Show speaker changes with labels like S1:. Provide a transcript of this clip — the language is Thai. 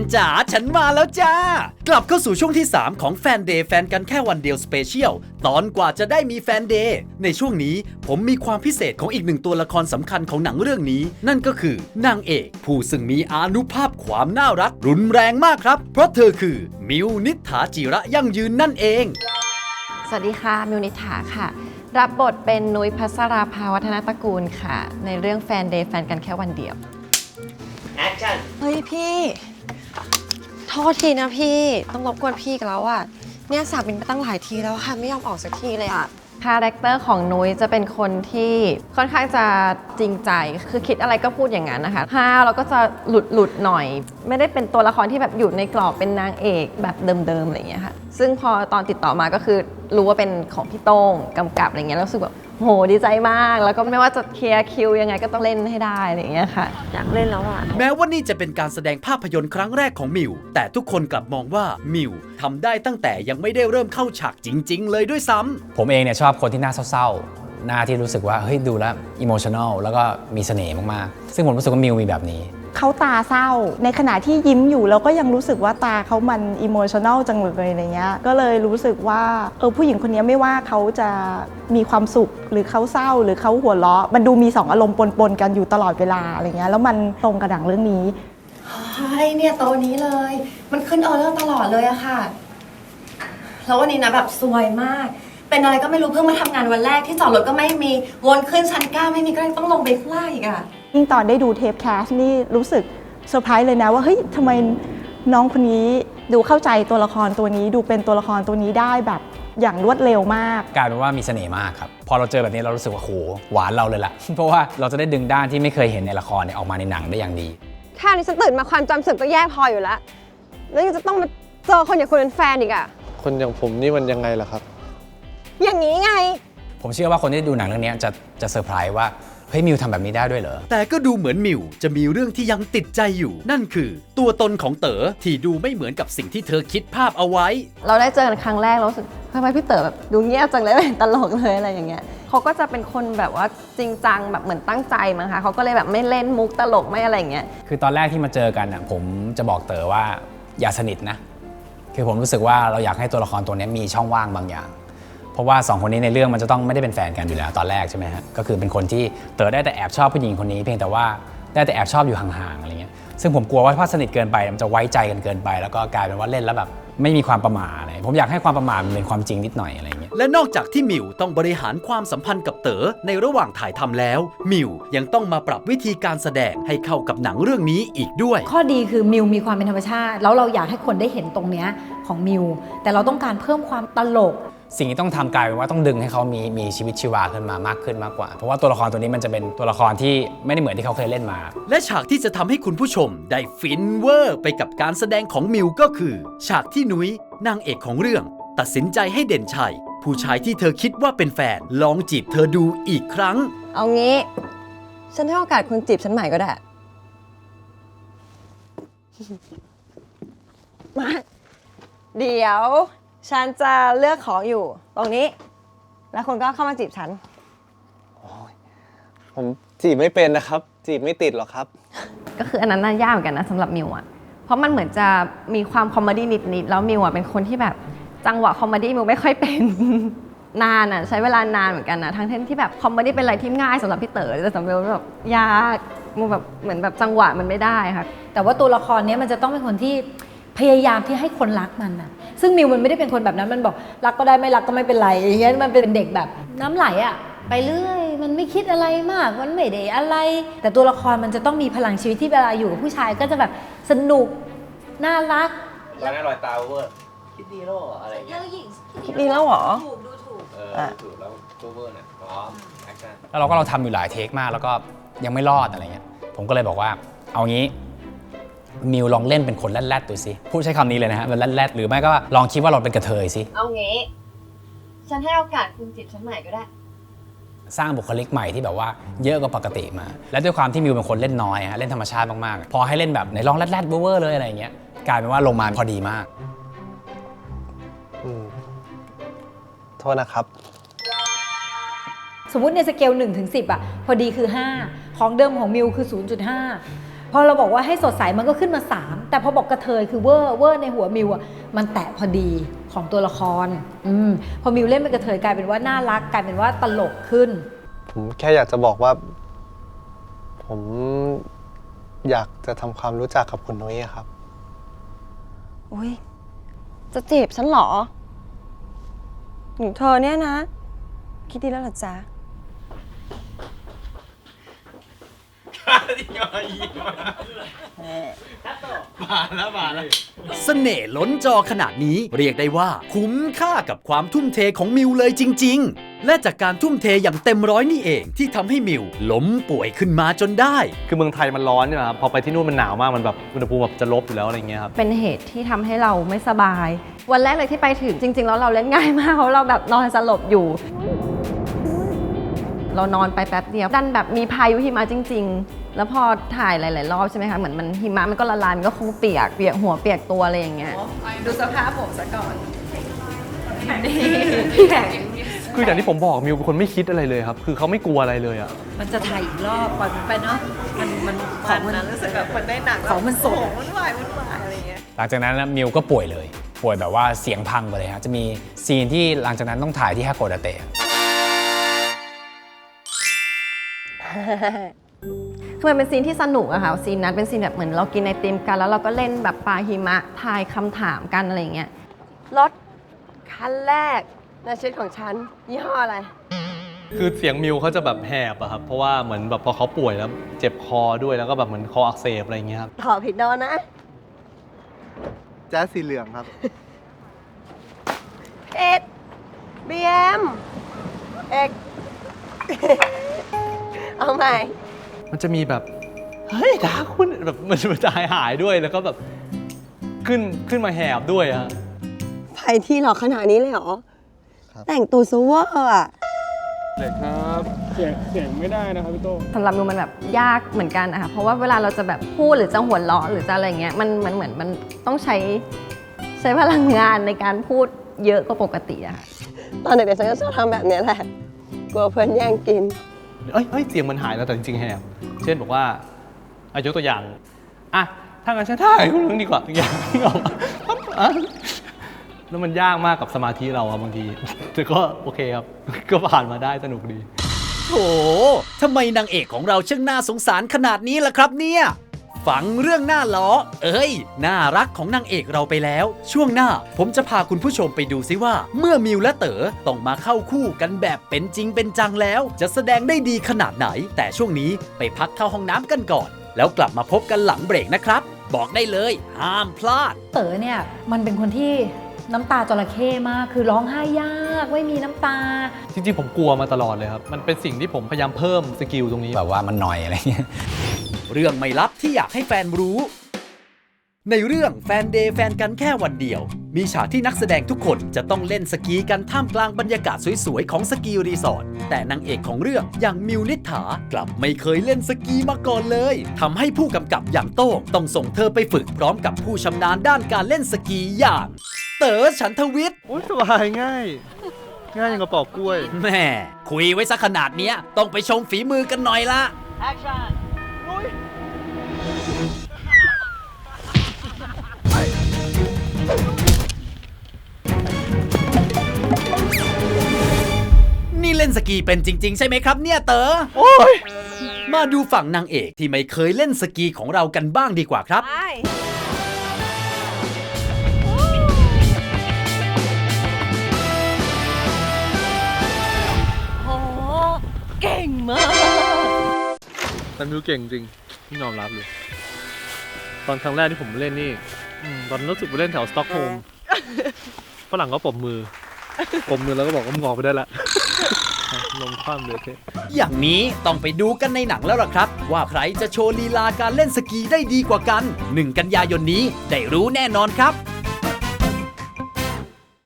S1: จ๋าฉันมาแล้วจ้ากลับเข้าสู่ช่วงที่ 3 ของแฟนเดย์แฟนกันแค่วันเดียวสเปเชียลตอนกว่าจะได้มีแฟนเดย์ในช่วงนี้ผมมีความพิเศษของอีกหนึ่งตัวละครสำคัญของหนังเรื่องนี้นั่นก็คือนางเอกผู้ซึ่งมีอานุภาพความน่ารักรุนแรงมากครับเพราะเธอคือมิวนิษฐาจิระยั่งยืนนั่นเอง
S2: สวัสดีค่ะมิวนิษฐาค่ะรับบทเป็นนุ้ยภัสราภาวัฒนตระกูลค่ะในเรื่องแฟนเดย์แฟนกันแค่วันเดียว
S3: แอคชั่น
S2: เฮ้ยพี่โทษทีนะพี่ต้องรบกวนพี่กันแล้วอ่ะเนี่ยสาบินไปตั้งหลายทีแล้วค่ะไม่ยอมออกสักทีเลยอ่ะคาแรคเตอร์ของนุ้ยจะเป็นคนที่ค่อนข้างจะจริงใจคือคิดอะไรก็พูดอย่างนั้นนะคะห้าวแล้วก็จะหลุดหน่อยไม่ได้เป็นตัวละครที่แบบอยู่ในกรอบเป็นนางเอกแบบเดิมๆอะไรอย่างเงี้ยค่ะซึ่งพอตอนติดต่อมาก็คือรู้ว่าเป็นของพี่โต้งกำกับอะไรเงี้ยแล้วรู้สึกแบบโหดีใจมากแล้วก็ไม่ว่าจะเคลียร์คิวยังไงก็ต้องเล่นให้ได้อะไรอย่างเงี้ยค่ะอยากเล่นแล้วอ่ะ
S1: แม้ว่านี่จะเป็นการแสดงภาพยนตร์ครั้งแรกของมิวแต่ทุกคนกลับมองว่ามิวทำได้ตั้งแต่ยังไม่ได้เริ่มเข้าฉากจริงๆเลยด้วยซ้ำ
S4: ผมเองเนี่ยชอบคนที่หน้าเศร้าๆหน้าที่รู้สึกว่าเฮ้ยดูแล้วอิโมชัน a ลแล้วก็มีเสน่ห์มากๆซึ่งผมรู้สึกว่ามิวมีแบบนี้
S5: เขาตาเศร้าในขณะที่ยิ้มอยู่เราก็ยังรู้สึกว่าตาเขามันอิโมชัน a ลจังเลยอะไรเงี้ยก็เลยรู้สึกว่าผู้หญิงคนนี้ไม่ว่าเขาจะมีความสุขหรือเขาเศร้าหรือเขาหัวเราะมันดูมี2อารมณ์ปนๆกันอยู่ตลอดเวลาอะไรเงี้ยแล้วมันตรงกับหนังเรื่องนี้
S2: ใช่เนี่ยโตนี้เลยมันขึ้นออเดอร์ตลอดเลยอะค่ะแล้ววันนี้นะแบบซวยมากเป็นอะไรก็ไม่รู้เพิ่งมาทำงานวันแรกที่จอดรถก็ไม่มีวนขึ้นชั้น9ไม่มีก็เลยต้องลงไปข้างล่างอีกอะ
S5: ยิ่งตอนได้ดูเทปแคสนี่รู้สึกเซอร์ไพรส์เลยนะว่าเฮ้ยทำไมน้องคนนี้ดูเข้าใจตัวละครตัวนี้ดูเป็นตัวละครตัวนี้ได้แบบอย่างรวดเร็วมาก
S4: กลายเป็นว่ามีเสน่ห์มากครับพอเราเจอแบบนี้เรารู้สึกว่าโหหวานเราเลยล่ะ เพราะว่าเราจะได้ดึงด้านที่ไม่เคยเห็นในละครเนี่ยออกมาในหนังได้อย่างดี
S2: แค่นี้ฉันตื่นมาความจำเสื่อมก็แย่พออยู่แล้วแล้วยังจะต้องมาเจอคนอย่างคุณเป็นแฟนอีกอะ
S3: คนอย่างผมนี่มันยังไงล่ะครับ
S2: อย่างนี้ไง
S4: ผมเชื่อว่าคนที่ดูหนังเรื่องนี้จะเซอร์ไพรส์ว่าเฮ้ยมิวทำแบบนี้ได้ด้วยเหรอ
S1: แต่ก็ดูเหมือนมิวจะมีเรื่องที่ยังติดใจอยู่นั่นคือตัวตนของเต๋อที่ดูไม่เหมือนกับสิ่งที่เธอคิดภาพเอาไว้
S2: เราได้เจอกันครั้งแรกเรารู้สึกทำไมพี่เต๋อแบบดูเงียบจังเลยไม่เห็นตลกเลยอะไรอย่างเงี้ยเขาก็จะเป็นคนแบบว่าจริงจังแบบเหมือนตั้งใจมั้งคะเขาก็เลยแบบไม่เล่นมุกตลกไม่อะไรอย่างเงี้ย
S4: คือตอนแรกที่มาเจอกันผมจะบอกเต๋อว่าอย่าสนิทนะคือผมรู้สึกว่าเราอยากให้ตัวละครตัวนี้มีช่องว่างบางอย่างเพราะว่า2คนนี้ในเรื่องมันจะต้องไม่ได้เป็นแฟนกันอยู่แล้วตอนแรกใช่ไหมฮะก็คือเป็นคนที่เต๋อได้แต่แอบชอบผู้หญิงคนนี้เพียงแต่ว่าได้แต่แอบชอบอยู่ห่างๆอะไรเงี้ยซึ่งผมกลัวว่าถ้าสนิทเกินไปมันจะไว้ใจกันเกินไปแล้วก็กลายเป็นว่าเล่นแล้วแบบไม่มีความประมาทอะไรผมอยากให้ความประมาทมันเป็นความจริงนิดหน่อยอะไรเงี้ย
S1: และนอกจากที่มิวต้องบริหารความสัมพันธ์กับเต๋อในระหว่างถ่ายทำแล้วมิวยังต้องมาปรับวิธีการแสดงให้เข้ากับหนังเรื่องนี้อีกด้วย
S6: ข้อดีคือมิวมีความเป็นธรรมชาติแล้วเราอยากให้คนได้เห็นตรงเนี้ยของมิวแต่เราต้องการเพิ่มความตลก
S4: สิ่งที่ต้องทำกลายเป็นว่าต้องดึงให้เขามีชีวิตชีวาขึ้นมามากขึ้นมากกว่าเพราะว่าตัวละครตัวนี้มันจะเป็นตัวละครที่ไม่ได้เหมือนที่เขาเคยเล่นมา
S1: และฉากที่จะทำให้คุณผู้ชมได้ฟินเวอร์ไปกับการแสดงของมิวก็คือฉากที่นุ้ยนางเอกของเรื่องตัดสินใจให้เด่นชัยผู้ชายที่เธอคิดว่าเป็นแฟนลองจีบเธอดูอีกครั้ง
S2: เอางี้ฉันให้โอกาสคุณจีบฉันใหม่ก็ได้มาเดี๋ยวฉันจะเลือกของอยู่ตรงนี้แล้วคุณก็เข้ามาจีบฉัน
S3: ผมจีบไม่เป็นนะครับจีบไม่ติดหรอกครับ
S2: ก็คืออันนั้นน่ายากเหมือนกันนะสำหรับมิวอ่ะเพราะมันเหมือนจะมีความคอมเมดี้นิดๆแล้วมิวอ่ะเป็นคนที่แบบจังหวะคอมเมดี้มิวไม่ค่อยเป็น นานอ่ะใช้เวลานานเหมือนกันนะทั้งที่แบบคอมเมดี้เป็นอะไรที่ง่ายสำหรับพี่เต๋อแต่สำหรับมิวแบบยากมิวแบบเหมือนแบบจังหวะมันไม่ได้ค่ะ
S6: แต่ว่าตัวละครนี้มันจะต้องเป็นคนที่พยายามที่ให้คนรักมันนะซึ่งมิวมันไม่ได้เป็นคนแบบนั้นมันบอกรักก็ได้ไม่รักก็ไม่เป็นไรอย่างเงี้ยมันเป็นเด็กแบบน้ำไหลอะไปเรื่อยมันไม่คิดอะไรมากมันไม่ได้อะไรแต่ตัวละครมันจะต้องมีพลังชีวิตที่เวลาอยู่กับผู้ชายก็จะแบบสนุกน่ารัก
S3: รอยหน้ารอยตาเวอร์คิดดีแล้วอะไรเงี้ย
S2: คิดดีแล้วเหรอ
S3: ดูถูกแล้วเวอร์เนี่ยพร้อมแอคชั่น
S4: แล้วเราทำอยู่หลายเทคมากแล้วก็ยังไม่รอดอะไรเงี้ยผมก็เลยบอกว่าเอางี้มิวลองเล่นเป็นคนแรดๆดูสิพูดใช้คำนี้เลยนะฮะเป็นแรดๆหรือไม่ก็ลองคิดว่าเราเป็นกระเทยสิ
S2: เอางี้ฉันให้โอกาสคุณจีบฉันใหม่ก็ได้
S4: สร้างบุคลิกใหม่ที่แบบว่าเยอะกว่าปกติมาและด้วยความที่มิวเป็นคนเล่นน้อยฮะเล่นธรรมชาติมากๆพอให้เล่นแบบไหนลองแรดๆเวอร์เลยอะไรเงี้ยกลายเป็นว่าลงมาพอดีมาก
S3: โทษนะครับ
S6: สมมุติในสเกล1 ถึง 10อ่ะพอดีคือ5ของเดิมของมิวคือ 0.5 พอเราบอกว่าให้สดใสมันก็ขึ้นมา3แต่พอบอกกระเทยคือเวอร์ในหัวมิวอ่ะมันแตะพอดีของตัวละครพอมิวเล่นเป็นกระเทยกลายเป็นว่าน่ารักกลายเป็นว่าตลกขึ้น
S7: ผมแค่อยากจะบอกว่า ผมอยากจะทำความรู้จักกับคุณนุ้ยครับ
S2: อุ้ยจะจีบฉันเหรอหนูเธอเนี่ยนะ คิดดีแล้วเหรอจ๊ะ
S1: เสน่ห์ล้นจอขนาดนี้เรียกได้ว่าคุ้มค่ากับความทุ่มเทของมิวเลยจริงๆ และจากการทุ่มเทอย่างเต็มร้อยนี่เองที่ทำให้มิวล้มป่วยขึ้นมาจนได้
S8: คือเมืองไทยมันร้อนใช่ไหมครับพอไปที่นู่นมันหนาวมากมันแบบอุณหภูมิแบบจะลบอยู่แล้วอะไรเงี้ยครับ
S2: เป็นเหตุที่ทำให้เราไม่สบาย วันแรกเลยที่ไปถึงจริงๆแล้วเราเล่นง่ายมากเพราะเราแบบนอนสลบอยู่ เรานอนไปแป๊บเดียวดันแบบมีพายุหิมะจริงๆ แล้วพอถ่ายหลายๆรอบใช่ไหมคะเหมือนมันหิมะมันก็ละลายมันก็คงเปียกหัวเปียกตัวอะไรอย่างเงี้ยดูสภาพผมซะก่อนพี่แขก
S8: คืออย่างที่ผมบอกมิวเป็นคนไม่คิดอะไรเลยครับคือเขาไม่กลัวอะไรเลยอ่ะ
S6: มันจะถ่ายอีกรอบปล่อยมันไปเนาะมันของมันรู้สึกแบบมันได้หนักของมันสดมันวายอะไรอย่างเงี้ย
S4: หลังจากนั้นนะมิวก็ป่วยเลยป่วยแบบว่าเสียงพังไปเลยฮะจะมีซีนที่หลังจากนั้นต้องถ่ายที่ฮาโกดาเตะ
S2: คือมันเป็นซีนที่สนุกอะค่ะซีนนั้นเป็นซีนแบบเหมือนเรากินไอติมกันแล้วเราก็เล่นแบบปาหิมะทายคำถามกันอะไรอย่างเงี้ยรถคันแรกในชีวิตของฉันยี่ห้ออะไร
S8: คือเสียงมิวเขาจะแบบแหบอะครับเพราะว่าเหมือนแบบพอเขาป่วยแล้วเจ็บคอด้วยแล้วก็แบบเหมือนคออักเสบอะไรอย่างเงี้ยครับ
S2: ตอบผิดโดนนะ
S7: แจ๊สสีเหลืองครับ
S2: เอ็ดบีเอ็มเอก เอาใหม่
S8: มันจะมีแบบเฮ้ยด่าคุณแบบมันจะหายด้วยแล้วก็แบบขึ้นมาแหบด้วยอะ
S2: ไปที่หรอขนาดนี้เลยเหรอ แต่งตัวซูเวอร์อะ
S9: เด็กครับเสียงไม่ได้นะครับพี่โต้
S2: สำหรับมิวมันแบบยากเหมือนกันนะคะเพราะว่าเวลาเราจะแบบพูดหรือจะหัวเราะหรือจะอะไรเงี้ยมันเหมือนมันต้องใช้พลังงานในการพูดเยอะกว่าปกติอะค่ะตอนเด็กๆฉันก็ชอบทำแบบนี้แหละกลัวเพื่อนแย่งกิน
S8: เอ้ยเสียงมันหายแล้วแต่จริงๆแหบเช่นบอกว่ายกตัวอย่างอ่ะถ้างั้นฉันถ่ายคุณนึงดีกว่าอย่างที่ออกมาแล้วมันยากมากกับสมาธิเราอะบางทีแต่ก็โอเคครับก็ผ่านมาได้สนุกดี
S1: โถทำไมนางเอกของเราช่างน่าสงสารขนาดนี้ล่ะครับเนี่ยฟังเรื่องหน้าล้อน่ารักของนางเอกเราไปแล้ว ช่วงหน้าผมจะพาคุณผู้ชมไปดูซิว่า เมื่อมิวและเต๋อต้องมาเข้าคู่กันแบบเป็นจริงเป็นจังแล้ว จะแสดงได้ดีขนาดไหน แต่ช่วงนี้ไปพักเข้าห้องน้ำกันก่อน แล้วกลับมาพบกันหลังเบรกนะครับ บอกได้เลยห้ามพลาด
S6: เต๋อเนี่ยมันเป็นคนที่น้ำตาจระเข้มากคือร้องไห้ยากไม่มีน้ำตา
S8: จริงๆผมกลัวมาตลอดเลยครับมันเป็นสิ่งที่ผมพยายามเพิ่มสกิลตรงนี้
S4: แบบว่ามันหน่อยอะไรเงี้ย
S1: เรื่องไม่ลับที่อยากให้แฟนรู้ ในเรื่องแฟนเดย์แฟนกันแค่วันเดียว มีฉากที่นักแสดงทุกคนจะต้องเล่นสกีกันท่ามกลางบรรยากาศสวยๆของสกีรีสอร์ทแต่นางเอกของเรื่องอย่างมิวนิษฐากลับไม่เคยเล่นสกีมาก่อนเลยทำให้ผู้กำกับอย่างโต้งต้องส่งเธอไปฝึกพร้อมกับผู้ชำนาญด้านการเล่นสกีอย่างเต๋อฉันทวิทย์
S7: โอ้ยสบายง่าย ง่ายอย่างกระปอกกล้วย
S1: แม่คุยไว้ซะขนาดเนี้ยต้องไปชมฝีมือกันหน่อยละนี่เล่นสกีเป็นจริงๆใช่ไหมครับเนี่ยเต๋อโอ้ยมาดูฝั่งนางเอกที่ไม่เคยเล่นสกีของเรากันบ้างดีกว่าครับ
S8: แต่มิวเก่งจริงที่ยอมรับเลยตอนครั้งแรกที่ผมเล่นนี่ตอนรู้สึกไปเล่นแถวสต็อกโฮล์มฝรั่งก็ปรบมือแล้วก็บอกว่ามึงออกไปได้ละ ลงคว่ำเลยเท่
S1: อย่างนี้ต้องไปดูกันในหนังแล้วล่ะครับ ว่าใครจะโชว์ลีลาการเล่นสกีได้ดีกว่ากัน 1 กันยายนนี้ได้รู้แน่นอนครับ